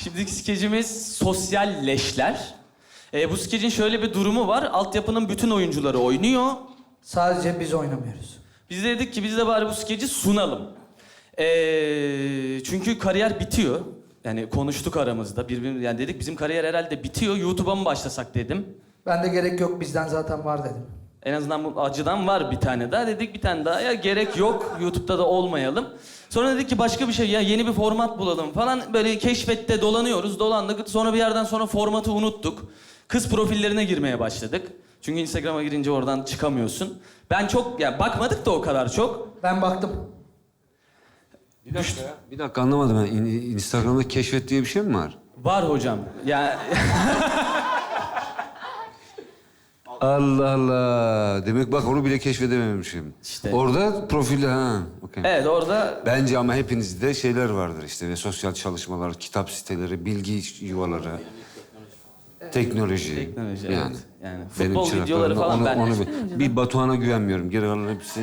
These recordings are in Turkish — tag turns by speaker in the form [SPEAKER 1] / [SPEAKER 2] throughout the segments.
[SPEAKER 1] Şimdiki skecimiz sosyalleşler. Bu skecin şöyle bir durumu var. Altyapının bütün oyuncuları oynuyor.
[SPEAKER 2] Sadece biz oynamıyoruz.
[SPEAKER 1] Biz de dedik ki biz de bari bu skeci sunalım. Çünkü kariyer bitiyor. Yani konuştuk aramızda. Yani dedik bizim kariyer herhalde bitiyor. YouTube'a mı başlasak dedim.
[SPEAKER 2] Ben de gerek yok, bizden zaten var dedim.
[SPEAKER 1] En azından bu acıdan var bir tane daha. Dedik bir tane daha. Ya gerek yok. YouTube'da da olmayalım. Sonra dedik ki başka bir şey. Ya yeni bir format bulalım falan. Böyle keşfette dolanıyoruz. Dolandık. Sonra bir yerden sonra formatı unuttuk. Kız profillerine girmeye başladık. Çünkü Instagram'a girince oradan çıkamıyorsun. Ben çok... Ya bakmadık da o kadar çok.
[SPEAKER 2] Ben baktım.
[SPEAKER 3] Bir dakika ya. Bir dakika anlamadım ben. Instagram'da keşfet diye bir şey mi var?
[SPEAKER 1] Var hocam. Ya...
[SPEAKER 3] Allah Allah. Demek bak onu bile keşfedememişim.
[SPEAKER 1] İşte.
[SPEAKER 3] Orada profil ha. Okay.
[SPEAKER 1] Evet orada...
[SPEAKER 3] Bence ama hepinizde şeyler vardır işte ve sosyal çalışmalar, kitap siteleri, bilgi yuvaları, teknoloji.
[SPEAKER 1] Teknoloji,
[SPEAKER 3] yani.
[SPEAKER 1] evet. Yani
[SPEAKER 3] Benim
[SPEAKER 1] futbol
[SPEAKER 3] çıraklarımda
[SPEAKER 1] videoları falan ben...
[SPEAKER 3] bir Batuhan'a güvenmiyorum. Geri kalan hepsi.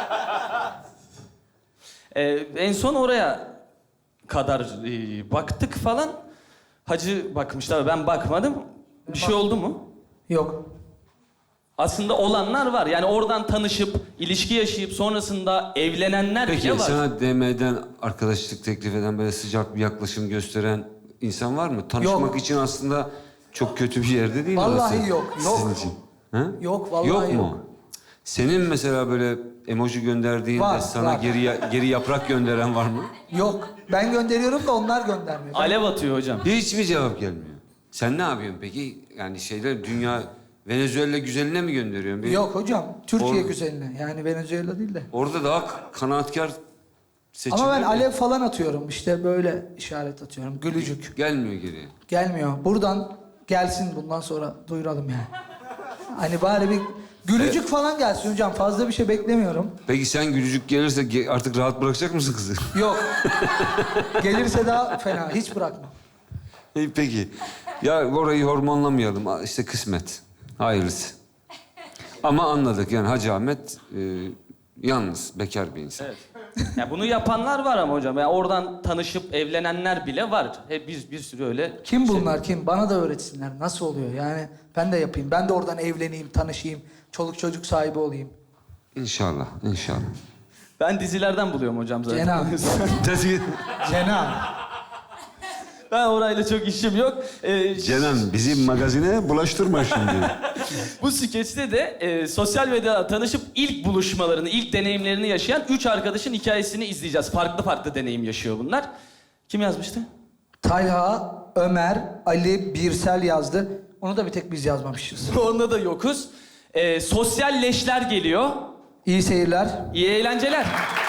[SPEAKER 1] En son oraya kadar baktık falan. Hacı bakmışlar, ben bakmadım. Bir şey oldu mu?
[SPEAKER 2] Yok.
[SPEAKER 1] Aslında olanlar var. Yani oradan tanışıp, ilişki yaşayıp sonrasında evlenenler
[SPEAKER 3] Peki
[SPEAKER 1] bile var.
[SPEAKER 3] sana DM'den arkadaşlık teklif eden böyle sıcak bir yaklaşım gösteren insan var mı? Tanışmak
[SPEAKER 2] Yok.
[SPEAKER 3] için aslında çok kötü bir yerde değil
[SPEAKER 2] Vallahi
[SPEAKER 3] orası.
[SPEAKER 2] yok, yok.
[SPEAKER 3] Sizin için. Ha?
[SPEAKER 2] Yok, vallahi
[SPEAKER 3] Yok mu?
[SPEAKER 2] yok.
[SPEAKER 3] Senin mesela böyle emoji gönderdiğinde
[SPEAKER 2] Var,
[SPEAKER 3] sana
[SPEAKER 2] var.
[SPEAKER 3] geri yaprak gönderen var mı?
[SPEAKER 2] Yok. Ben gönderiyorum da onlar göndermiyor.
[SPEAKER 1] Alev atıyor hocam.
[SPEAKER 3] Hiç mi cevap gelmiyor? Sen ne yapıyorsun peki? Yani dünya Venezuela güzeline mi gönderiyorsun?
[SPEAKER 2] Yok hocam, Türkiye
[SPEAKER 3] Orada-
[SPEAKER 2] güzeline. Yani Venezuela değil de.
[SPEAKER 3] Orada daha kanaatkar seçim.
[SPEAKER 2] Ama ben alev falan atıyorum. İşte böyle işaret atıyorum. Gülücük.
[SPEAKER 3] Gelmiyor geriye.
[SPEAKER 2] Gelmiyor. Buradan gelsin, bundan sonra duyuralım yani. Hani bari bir gülücük falan gelsin hocam. Fazla bir şey beklemiyorum.
[SPEAKER 3] Peki sen gülücük gelirse artık rahat bırakacak mısın kızı?
[SPEAKER 2] Yok. Gelirse daha fena. Hiç bırakmam.
[SPEAKER 3] İyi peki. Ya orayı hormonlamayalım. İşte kısmet. Hayırlısı. Ama anladık yani Hacı Ahmet yalnız, bekar bir insan.
[SPEAKER 1] Evet. Ya bunu yapanlar var ama hocam. Yani oradan tanışıp evlenenler bile var. Hep bir sürü öyle...
[SPEAKER 2] Kim bunlar kim? Bana da öğretsinler. Nasıl oluyor? Yani ben de yapayım. Ben de oradan evleneyim, tanışayım. Çoluk çocuk sahibi olayım.
[SPEAKER 3] İnşallah, inşallah.
[SPEAKER 1] Ben dizilerden buluyorum hocam zaten.
[SPEAKER 2] Cenab. Cenab.
[SPEAKER 1] Ben orayla çok işim yok.
[SPEAKER 3] Cenan bizim magazine bulaştırma şimdi.
[SPEAKER 1] Bu skeçte de sosyal medyada tanışıp ilk buluşmalarını, ilk deneyimlerini yaşayan 3 arkadaşın hikayesini izleyeceğiz. Farklı farklı deneyim yaşıyor bunlar. Kim yazmıştı?
[SPEAKER 2] Talha, Ömer, Ali, Birsel yazdı. Onu da bir tek biz yazmamışız.
[SPEAKER 1] Onda da yokuz. Sosyalleşler geliyor.
[SPEAKER 2] İyi seyirler.
[SPEAKER 1] İyi eğlenceler.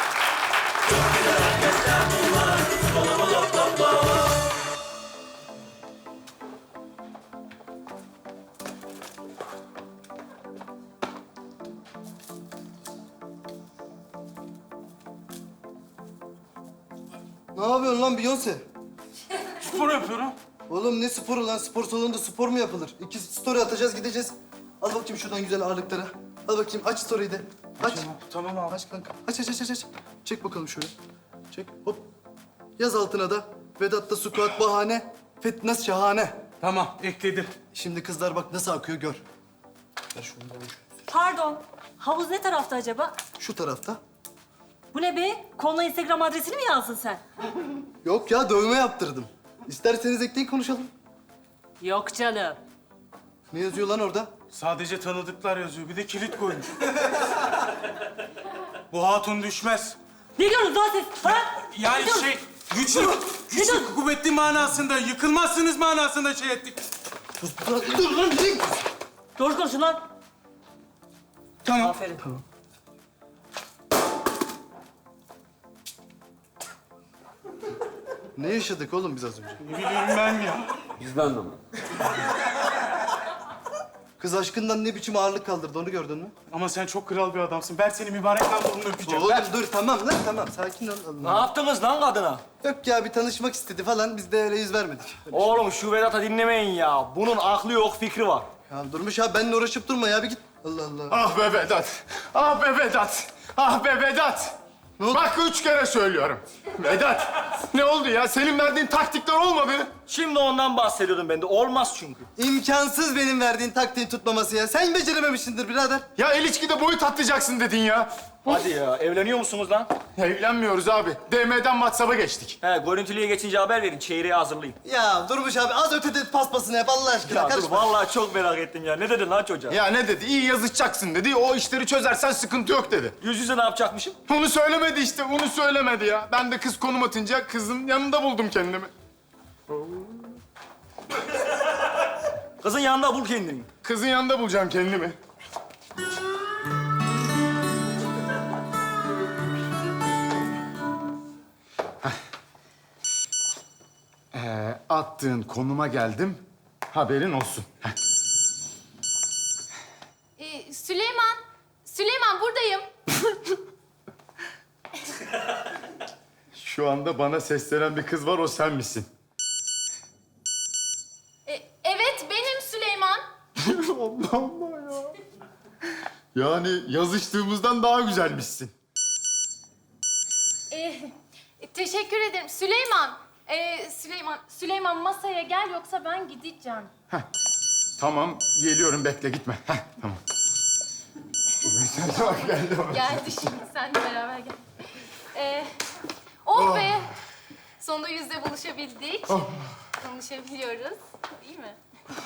[SPEAKER 4] Ne yapıyorsun lan Beyoncé?
[SPEAKER 5] Spor yapıyorum.
[SPEAKER 4] Oğlum ne sporu lan? Spor salonunda spor mu yapılır? 2 story atacağız, gideceğiz. Al bakayım şuradan güzel ağırlıkları. Al bakayım, aç story'i de. Aç.
[SPEAKER 5] Tamam abi.
[SPEAKER 4] Aç kanka. Aç. Çek bakalım şöyle. Çek, hop. Yaz altına da. Vedat'ta squat bahane, fitness şahane.
[SPEAKER 5] Tamam, ekledim.
[SPEAKER 4] Şimdi kızlar bak nasıl akıyor gör. Ver şunu da
[SPEAKER 6] Pardon, havuz ne tarafta acaba?
[SPEAKER 4] şu tarafta.
[SPEAKER 6] Bu ne be? Konuna Instagram adresini mi yazdın sen?
[SPEAKER 4] Yok ya, dövme yaptırdım. İsterseniz ekleyin konuşalım.
[SPEAKER 6] Yok canım.
[SPEAKER 4] Ne yazıyor lan orada?
[SPEAKER 5] Sadece tanıdıklar yazıyor. Bir de kilit koymuş. Bu hatun düşmez.
[SPEAKER 6] Ne diyorsunuz lan siz? Ha?
[SPEAKER 5] Yani
[SPEAKER 6] Ne diyorsunuz?
[SPEAKER 5] güçlü, kuvvetli manasında, yıkılmazsınız manasında şey ettik.
[SPEAKER 4] Dur lan, dur.
[SPEAKER 6] Doğru konuşun lan.
[SPEAKER 5] Tamam.
[SPEAKER 6] Aferin.
[SPEAKER 4] Ne yaşadık oğlum biz az önce?
[SPEAKER 5] Ne bileyim ben ya.
[SPEAKER 3] Biz de anlamadık.
[SPEAKER 4] Kız aşkından ne biçim ağırlık kaldırdı onu gördün mü?
[SPEAKER 5] Ama sen çok kral bir adamsın. Ben seni mübarek namluluğunu öpeceğim.
[SPEAKER 4] Oğlum
[SPEAKER 5] Ver.
[SPEAKER 4] dur tamam lan tamam sakin ol.
[SPEAKER 7] Ne
[SPEAKER 4] Allah.
[SPEAKER 7] yaptınız lan kadına?
[SPEAKER 4] Yok ya bir tanışmak istedi falan biz de öyle yüz vermedik.
[SPEAKER 7] Oğlum şu Vedat'ı dinlemeyin ya. Bunun aklı yok, fikri var.
[SPEAKER 4] Ya durmuş abi benimle uğraşıp durma ya bir git. Allah Allah.
[SPEAKER 5] Ah be Vedat. Ah be Vedat. Ah be Vedat.
[SPEAKER 4] Ne oldu?
[SPEAKER 8] Bak 3 kere söylüyorum. Vedat, ne oldu ya? Senin verdiğin taktikler olmadı.
[SPEAKER 7] Şimdi ondan bahsediyordum ben de. Olmaz çünkü.
[SPEAKER 4] İmkansız benim verdiğin taktiğin tutmaması ya. Sen becerememişsindir birader.
[SPEAKER 8] Ya el içkide boyut atlayacaksın dedin ya.
[SPEAKER 7] Hadi ya, evleniyor musunuz lan?
[SPEAKER 8] Evlenmiyoruz abi. DM'den WhatsApp'a geçtik.
[SPEAKER 7] He, görüntülüye geçince haber verin. Çeyreği hazırlayayım.
[SPEAKER 4] Ya Durmuş abi az ötede paspasını yap Allah aşkına.
[SPEAKER 7] Ya dur,
[SPEAKER 4] Karışma.
[SPEAKER 7] vallahi çok merak ettim ya. Ne dedin lan çocuğa?
[SPEAKER 8] Ya ne dedi? İyi yazışacaksın dedi. O işleri çözersen sıkıntı yok dedi.
[SPEAKER 7] Yüz yüze ne yapacakmışım?
[SPEAKER 8] Onu söylemedi işte, onu söylemedi ya. Ben de kız konum atınca kızın yanında buldum kendimi.
[SPEAKER 7] Kızın yanında bul kendini.
[SPEAKER 8] Kızın yanında bulacağım kendimi. Attığın konuma geldim. Haberin olsun.
[SPEAKER 9] Süleyman, Süleyman buradayım.
[SPEAKER 8] Şu anda bana seslenen bir kız var, o sen misin?
[SPEAKER 9] Evet, benim Süleyman.
[SPEAKER 8] Allah Allah ya. Yani yazıştığımızdan daha güzelmişsin.
[SPEAKER 9] Teşekkür ederim. Süleyman masaya gel yoksa ben gideceğim.
[SPEAKER 8] Tamam, geliyorum. Bekle, gitme. Tamam. Sen bak, geldi bak.
[SPEAKER 9] Geldi şimdi, sen de beraber gel. Oh be! Sonunda yüzde buluşabildik. Konuşabiliyoruz, değil mi?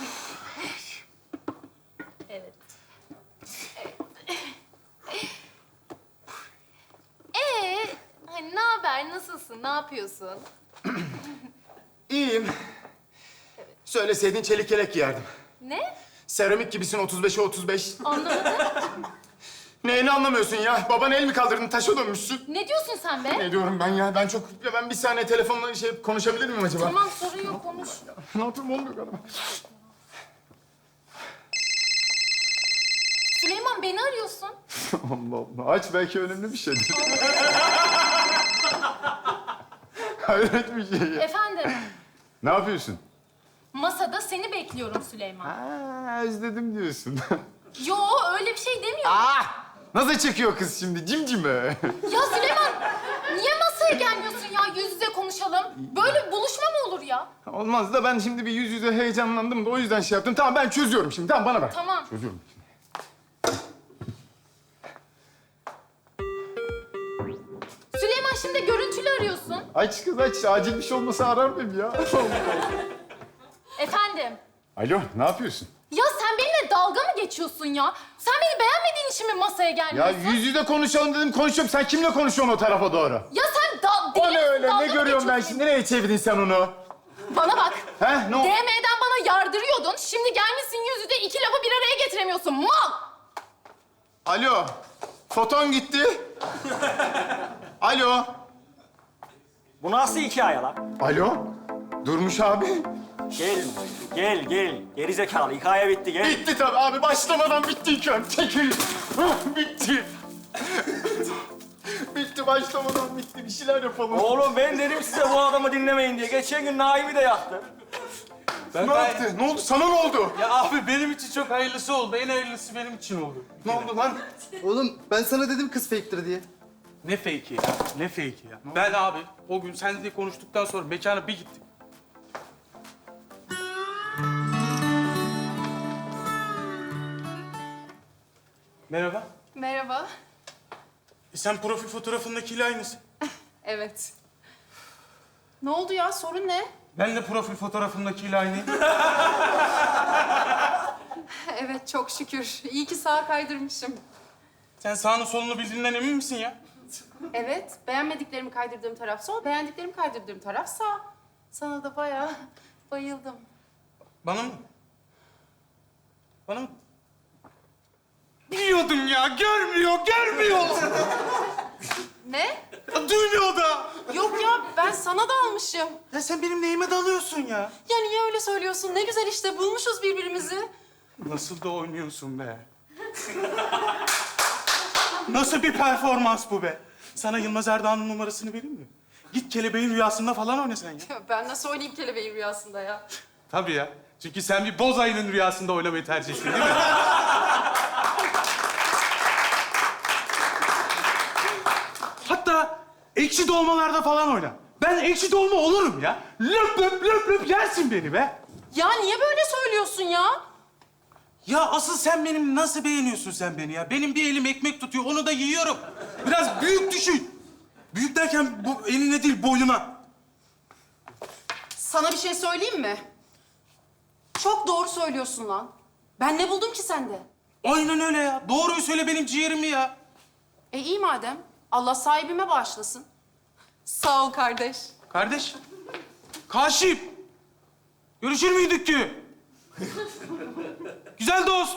[SPEAKER 9] Evet. Hani ne haber, nasılsın, ne yapıyorsun?
[SPEAKER 8] İyiyim. Söyleseydin çelik yelek giyerdim.
[SPEAKER 9] Ne?
[SPEAKER 8] Seramik gibisin 35'e 35.
[SPEAKER 9] Anlamadım.
[SPEAKER 8] Neyini anlamıyorsun ya? Baban el mi kaldırdın, taşa dönmüşsün.
[SPEAKER 9] Ne diyorsun sen be?
[SPEAKER 8] Ne diyorum ben ya? Ben bir saniye telefonla konuşabilir miyim acaba?
[SPEAKER 9] Tamam, sorun yok, konuş.
[SPEAKER 8] Ne yapayım, olmuyor galiba.
[SPEAKER 9] Süleyman, beni arıyorsun.
[SPEAKER 8] Allah Allah. Aç, belki önemli bir şeydir. Hayret bir şey ya.
[SPEAKER 9] Efendim,
[SPEAKER 8] Ne yapıyorsun?
[SPEAKER 9] masada seni bekliyorum Süleyman.
[SPEAKER 8] Özledim diyorsun.
[SPEAKER 9] Yo, öyle bir şey demiyorum.
[SPEAKER 8] Nasıl çekiyor kız şimdi, cimcime?
[SPEAKER 9] Ya Süleyman, niye masaya gelmiyorsun ya? Yüz yüze konuşalım. Böyle bir buluşma mı olur ya?
[SPEAKER 8] Olmaz da ben şimdi bir yüz yüze heyecanlandım da o yüzden şey yaptım. Tamam, ben çözüyorum şimdi. Tamam, bana bak.
[SPEAKER 9] Tamam.
[SPEAKER 8] Çözüyorum.
[SPEAKER 9] Süleyman, şimdi görüntülü arıyorsun.
[SPEAKER 8] Aç kız aç. Acil bir şey olmasa arar mıyım ya?
[SPEAKER 9] Efendim?
[SPEAKER 8] Alo, ne yapıyorsun?
[SPEAKER 9] Ya sen benimle dalga mı geçiyorsun ya? Sen beni beğenmediğin için mi masaya
[SPEAKER 8] Ya
[SPEAKER 9] gelmiyorsun?
[SPEAKER 8] yüz yüze konuşalım dedim, konuşuyorum. Sen kimle konuşuyorsun o tarafa doğru?
[SPEAKER 9] Ya sen
[SPEAKER 8] O
[SPEAKER 9] deli
[SPEAKER 8] ne
[SPEAKER 9] misin?
[SPEAKER 8] öyle?
[SPEAKER 9] Dalga
[SPEAKER 8] Ne
[SPEAKER 9] mı
[SPEAKER 8] görüyorum ben
[SPEAKER 9] geçiyorsun?
[SPEAKER 8] şimdi? Nereye çevirdin sen onu?
[SPEAKER 9] Bana bak.
[SPEAKER 8] He? Ne oldu?
[SPEAKER 9] DM'den bana yardırıyordun. Şimdi gelmişsin yüz yüze iki lafı bir araya getiremiyorsun. Mal!
[SPEAKER 8] Alo. Foton gitti. Alo.
[SPEAKER 7] Bu nasıl hikaye lan?
[SPEAKER 8] Alo. Durmuş abi.
[SPEAKER 7] Gel. Geri zekalı. Hikaye bitti, gel.
[SPEAKER 8] Bitti tabii abi. Başlamadan bitti hikayem. Çekil. Bitti. Bitti, başlamadan bitti. Bir şeyler yapalım.
[SPEAKER 7] Oğlum ben dedim size bu adamı dinlemeyin diye. Geçen gün Naim'i de yaktı.
[SPEAKER 8] Ne yaptı? Ne oldu? Sana ne oldu?
[SPEAKER 5] Ya abi benim için çok hayırlısı oldu. En hayırlısı benim için oldu.
[SPEAKER 8] Ne oldu lan?
[SPEAKER 4] Oğlum ben sana dedim kız fake'tir diye.
[SPEAKER 5] Ne fake'i ya? Ne fake'i ya? Ben abi o gün seninle konuştuktan sonra mekana bir gittim. Merhaba.
[SPEAKER 9] Merhaba.
[SPEAKER 5] Sen profil fotoğrafındakiyle aynısın.
[SPEAKER 9] Evet. Ne oldu ya? Sorun ne?
[SPEAKER 5] Ben de profil fotoğrafımdakiyle aynıyım.
[SPEAKER 9] Evet, çok şükür. İyi ki sağa kaydırmışım.
[SPEAKER 5] Sen sağını solunu bildiğinden emin misin ya?
[SPEAKER 9] Evet, beğenmediklerimi kaydırdığım taraf sol, beğendiklerimi kaydırdığım taraf sağ. Sana da bayağı bayıldım.
[SPEAKER 5] Bana mı? Bana mı? Biliyordum ya. Görmüyor.
[SPEAKER 9] Ne?
[SPEAKER 5] Ya, duymuyor da.
[SPEAKER 9] Yok ya, ben sana da almışım.
[SPEAKER 5] Ya sen benim neyime dalıyorsun ya?
[SPEAKER 9] Ya niye öyle söylüyorsun? Ne güzel işte, bulmuşuz birbirimizi.
[SPEAKER 5] Nasıl da oynuyorsun be? Nasıl bir performans bu be? Sana Yılmaz Erdoğan'ın numarasını vereyim mi? Git kelebeğin rüyasında falan oyna sen ya.
[SPEAKER 9] Ben nasıl oynayayım kelebeğin rüyasında ya?
[SPEAKER 5] Tabii ya. Çünkü sen bir boz ayının rüyasında oynamayı tercih ettin değil mi? Hatta ekşi dolmalarda falan oyna. Ben ekşi dolma olurum ya. Löp löp löp löp yersin beni be.
[SPEAKER 9] Ya niye böyle söylüyorsun ya?
[SPEAKER 5] Ya asıl sen benim nasıl beğeniyorsun sen beni ya? Benim bir elim ekmek tutuyor, onu da yiyorum. Biraz büyük düşün. Büyük derken bu eline değil, boynuna.
[SPEAKER 9] Sana bir şey söyleyeyim mi? Çok doğru söylüyorsun lan. Ben ne buldum ki sende?
[SPEAKER 5] Aynen öyle ya. Doğruyu söyle benim ciğerimi ya.
[SPEAKER 9] İyi madem. Allah sahibime bağışlasın. Sağ ol kardeş.
[SPEAKER 5] Kardeş, Kaşif. Görüşür müydük ki? Güzel dost.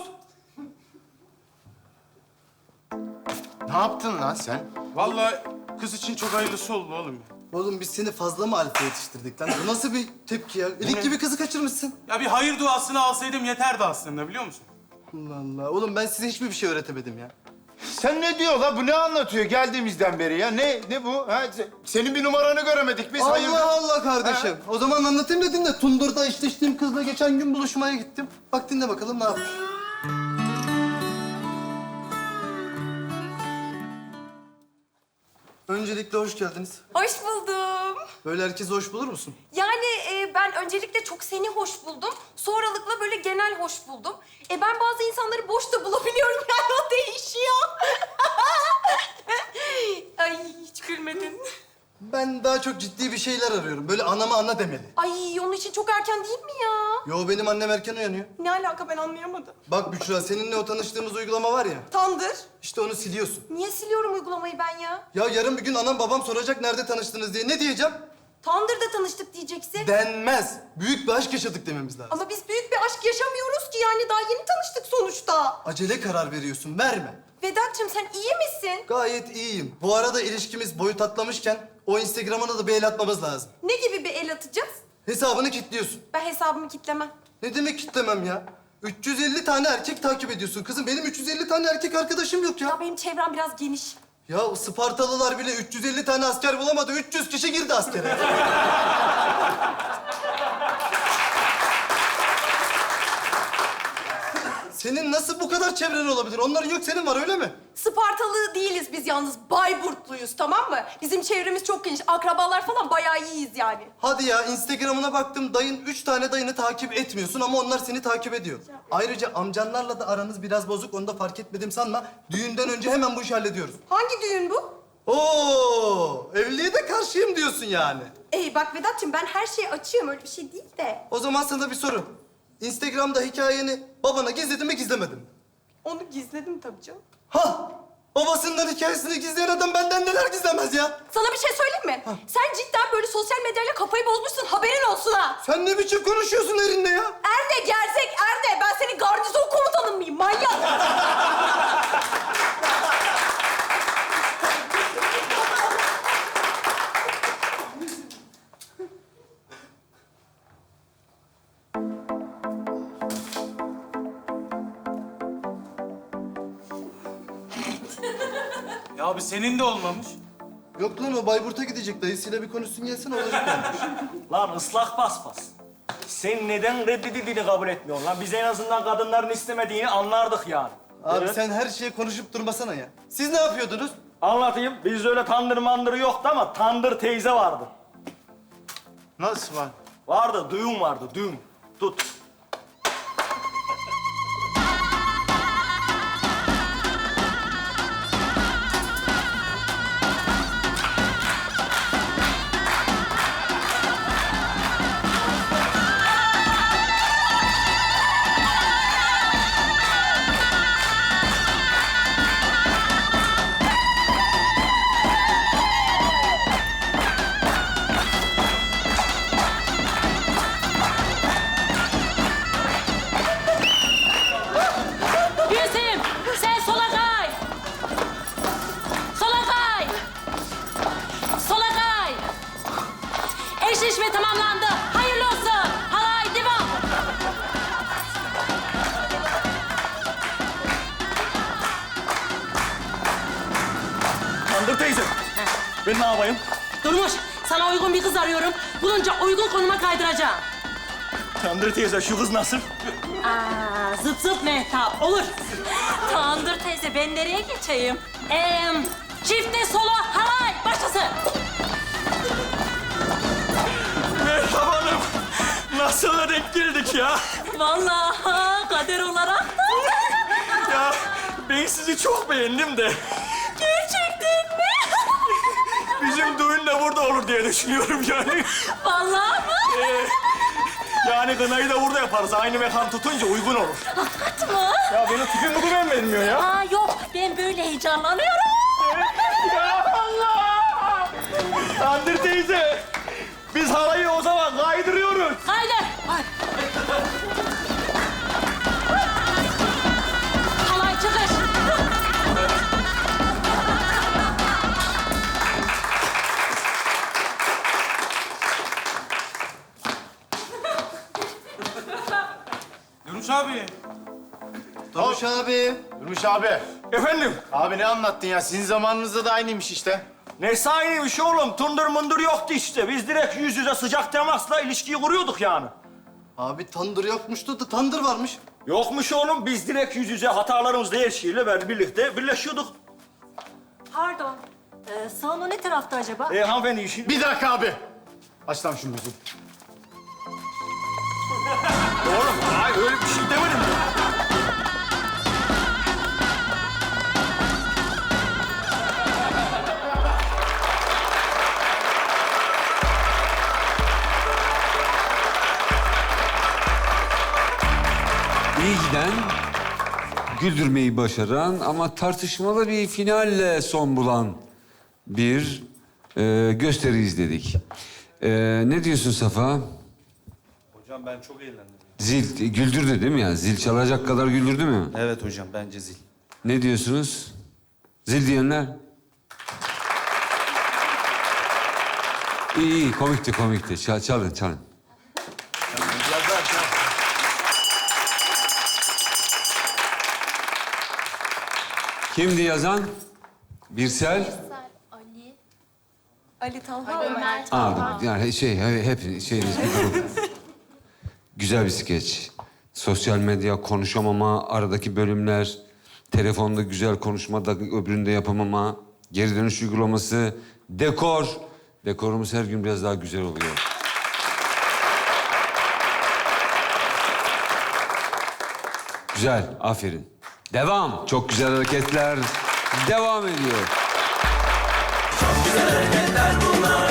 [SPEAKER 8] Ne yaptın lan sen?
[SPEAKER 5] Vallahi kız için çok hayırlısı oldu oğlum.
[SPEAKER 4] Oğlum biz seni fazla mı alfa yetiştirdik lan? Bu nasıl bir tepki ya? İlik gibi kızı kaçırmışsın.
[SPEAKER 5] Ya bir hayır duasını alsaydım yeterdi aslında, biliyor musun?
[SPEAKER 4] Allah Allah. Oğlum ben size hiçbir şey öğretemedim ya.
[SPEAKER 8] Sen ne diyor la? Bu ne anlatıyor geldiğimizden beri ya? Ne bu? Ha? Senin bir numaranı göremedik biz. Hayırdır?
[SPEAKER 4] Allah Allah kardeşim. O zaman anlatayım dedin de Tundur'da eşleştiğim kızla geçen gün buluşmaya gittim. Bak dinle bakalım ne yapmış. Öncelikle hoş geldiniz.
[SPEAKER 10] Hoş buldum.
[SPEAKER 4] Böyle herkesi hoş bulur musun?
[SPEAKER 10] Yani ben öncelikle çok seni hoş buldum. Sonralıkla böyle genel hoş buldum. Ben bazı insanları boş da bulabiliyorum yani o değişiyor. Ay hiç gülmedin.
[SPEAKER 4] Ben daha çok ciddi bir şeyler arıyorum. Böyle anama ana demeli.
[SPEAKER 10] Ay onun için çok erken değil mi ya?
[SPEAKER 4] Yo benim annem erken uyanıyor.
[SPEAKER 10] Ne alaka ben anlayamadım.
[SPEAKER 4] Bak Büşra seninle o tanıştığımız uygulama var ya.
[SPEAKER 10] Tandır.
[SPEAKER 4] İşte onu siliyorsun.
[SPEAKER 10] Niye siliyorum uygulamayı ben ya?
[SPEAKER 4] Ya yarın bir gün anam babam soracak nerede tanıştınız diye. Ne diyeceğim?
[SPEAKER 10] Tandır'da tanıştık diyeceksin.
[SPEAKER 4] Denmez. Büyük bir aşk yaşadık dememiz lazım.
[SPEAKER 10] Ama biz büyük bir aşk yaşamıyoruz ki yani daha yeni tanıştık sonuçta.
[SPEAKER 4] Acele karar veriyorsun. Verme.
[SPEAKER 10] Vedat'cığım sen iyi misin?
[SPEAKER 4] Gayet iyiyim. Bu arada ilişkimiz boyut atlamışken o Instagram'ına da bir el atmamız lazım.
[SPEAKER 10] Ne gibi bir el atacağız?
[SPEAKER 4] Hesabını kilitliyorsun.
[SPEAKER 10] Ben hesabımı kitlemem.
[SPEAKER 4] Ne demek kilitlemem ya? 350 tane erkek takip ediyorsun. Kızım benim 350 tane erkek arkadaşım yok ya.
[SPEAKER 10] Ya benim çevrem biraz geniş.
[SPEAKER 4] Ya o Spartalılar bile 350 tane asker bulamadı. 300 kişi girdi askere. Senin nasıl bu kadar çevren olabilir? Onların yok, senin var öyle mi?
[SPEAKER 10] Spartalı değiliz biz yalnız. Bayburtluyuz tamam mı? Bizim çevremiz çok geniş. Akrabalar falan bayağı iyiyiz yani.
[SPEAKER 4] Hadi ya, Instagram'ına baktım. Dayın 3 tane dayını takip etmiyorsun ama onlar seni takip ediyor. Ayrıca amcanlarla da aranız biraz bozuk. Onu da fark etmedim sanma. Düğünden önce hemen bu işi hallediyoruz.
[SPEAKER 10] Hangi düğün bu?
[SPEAKER 4] Oo, evliliğe de karşıyım diyorsun yani.
[SPEAKER 10] Bak Vedat'cığım ben her şeye açığım. Öyle bir şey değil de.
[SPEAKER 4] O zaman sana bir soru. Instagram'da hikayeni babana gizledin mi gizlemedin mi?
[SPEAKER 10] Onu gizledim tabii canım.
[SPEAKER 4] Ha! Babasından hikayesini gizleyen adam benden neler gizlemez ya?
[SPEAKER 10] Sana bir şey söyleyeyim mi? Sen cidden böyle sosyal medyayla kafayı bozmuşsun. Haberin olsun ha.
[SPEAKER 4] Sen ne biçim konuşuyorsun Erin'le ya?
[SPEAKER 10] Erne gerzek Erne. Ben senin garnizon komutanın mıyım? Manyak.
[SPEAKER 5] Ya abi senin de olmamış.
[SPEAKER 4] Yok lan, o Bayburt'a gidecek. Dayısıyla bir konuşsun gelsin, olacak olmuş.
[SPEAKER 7] Lan ıslak paspas. Sen neden reddedildiğini kabul etmiyorsun lan? Biz en azından kadınların istemediğini anlardık yani.
[SPEAKER 4] Abi
[SPEAKER 7] Evet.
[SPEAKER 4] sen her şeye konuşup durmasana ya. Siz ne yapıyordunuz?
[SPEAKER 7] Anlatayım. Bizde öyle tandır mandırı yoktu ama tandır teyze vardı.
[SPEAKER 8] Nasıl var?
[SPEAKER 7] Vardı, düğün vardı, düğün. Tut.
[SPEAKER 6] Gülsüm, sen sola kay. Sola kay. Sola kay. Eşleşme tamamlandı. Hayırlı olsun. Halay devam.
[SPEAKER 7] Tandır teyze. Ben ne yapayım?
[SPEAKER 6] Durmuş, sana uygun bir kız arıyorum. Bulunca uygun konuma kaydıracağım.
[SPEAKER 7] Tandır teyze, şu kız nasıl?
[SPEAKER 6] Zıp zıp Mehtap, olur. Tandır teyze, ben nereye geçeyim? Çifte solo halay, başlasın. Nasıl?
[SPEAKER 7] Merhaba Hanım. Nasıl da denk geldik ya?
[SPEAKER 6] Vallahi kader olarak da.
[SPEAKER 7] Ya ben sizi çok beğendim de.
[SPEAKER 6] Gerçekten mi?
[SPEAKER 7] Bizim düğün de burada olur diye düşünüyorum yani.
[SPEAKER 6] Vallahi mı?
[SPEAKER 7] Yani kınayı da burada yaparız. Aynı mekan tutunca uygun olur.
[SPEAKER 6] Hakikat mı?
[SPEAKER 7] Ya benim tipim bugün beğenmiyor ya.
[SPEAKER 6] Aa yok, ben böyle heyecanlanıyorum.
[SPEAKER 7] Ya Allah! Tandır teyze. Biz halayı o zaman kaydırıyoruz.
[SPEAKER 6] Haydi. Halay çıkış.
[SPEAKER 5] Yunus abi.
[SPEAKER 4] Tavuş abi.
[SPEAKER 8] Durmuş abi.
[SPEAKER 7] Efendim?
[SPEAKER 8] Abi ne anlattın ya? Sizin zamanınızda da aynıymış işte.
[SPEAKER 7] Ne sahneymiş oğlum? Tundur mundur yoktu işte. Biz direkt yüz yüze sıcak temasla ilişkiyi kuruyorduk yani.
[SPEAKER 4] Abi tandır yokmuştu da tandır varmış.
[SPEAKER 7] Yokmuş oğlum. Biz direkt yüz yüze hatalarımızla her şeyle birlikte birleşiyorduk.
[SPEAKER 6] Pardon. Salon ne tarafta acaba?
[SPEAKER 7] Hanımefendi işin...
[SPEAKER 8] Bir dakika abi. Aç lan şu müziği.
[SPEAKER 7] Oğlum hayır öyle bir şey demedim.
[SPEAKER 3] İyi giden, güldürmeyi başaran ama tartışmalı bir finalle son bulan bir gösteri izledik. Ne diyorsun Safa?
[SPEAKER 11] Hocam ben çok eğlendim.
[SPEAKER 3] Zil güldürdü değil mi ya? Zil çalacak kadar güldürdü mü?
[SPEAKER 11] Evet hocam bence zil.
[SPEAKER 3] Ne diyorsunuz? Zil diyenler? İyi, iyi. Komikti, komikti. Çalın, çalın. Kimdi yazan? Birsel.
[SPEAKER 10] Ali Talha
[SPEAKER 9] Ömer.
[SPEAKER 3] Yani hep şeyiniz bir grup. Güzel bir skeç. Sosyal medya, konuşamama, aradaki bölümler, telefonda güzel konuşma da öbüründe yapamama, geri dönüş uygulaması, dekor. Dekorumuz her gün biraz daha güzel oluyor. Güzel, aferin. Devam. Çok güzel hareketler devam ediyor.
[SPEAKER 12] Çok güzel hareketler bunlar.